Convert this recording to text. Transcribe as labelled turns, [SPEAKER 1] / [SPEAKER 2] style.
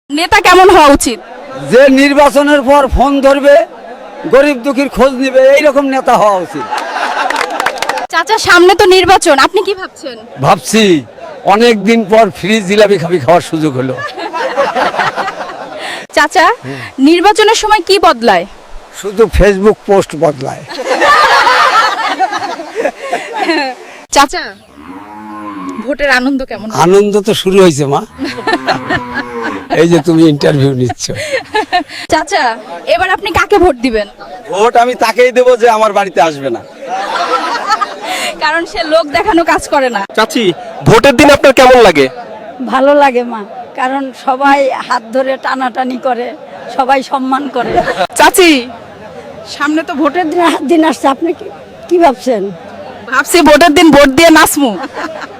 [SPEAKER 1] নেতা কেমন হওয়া উচিত?
[SPEAKER 2] যে নির্বাচনের পর ফোন ধরবে, গরিব দুঃখীর খোঁজ নিবে, এইরকম নেতা হওয়া উচিত।
[SPEAKER 1] চাচা, সামনে তো নির্বাচন, আপনি কি ভাবছেন?
[SPEAKER 2] ভাবছি অনেক দিন পর ফ্রি জিলাপি খাওয়ার সুযোগ হলো।
[SPEAKER 1] চাচা, নির্বাচনের সময় কি বদলায়?
[SPEAKER 2] শুধু ফেসবুক পোস্ট বদলায়।
[SPEAKER 1] চাচা, ভোটের আনন্দ কেমন?
[SPEAKER 2] আনন্দ তো শুরু হয়েছে মা, এই যে তুমি ইন্টারভিউ নিচ্ছ।
[SPEAKER 1] চাচা, এবার আপনি কাকে ভোট দিবেন?
[SPEAKER 2] ভোট আমি তাকেই দেবো যে আমার বাড়িতে আসবে না।
[SPEAKER 1] কারণ সে লোক দেখানো কাজ করে না।
[SPEAKER 3] চাচি, ভোটের দিন আপনার কেমন লাগে?
[SPEAKER 4] ভালো লাগে মা, কারণ সবাই হাত ধরে টানাটানি করে, সবাই সম্মান করে।
[SPEAKER 1] চাচি, সামনে তো ভোটের
[SPEAKER 4] দিন আসছে, আপনি কি ভাবছেন?
[SPEAKER 1] ভাবছি ভোটের দিন ভোট দিয়ে নাচমু।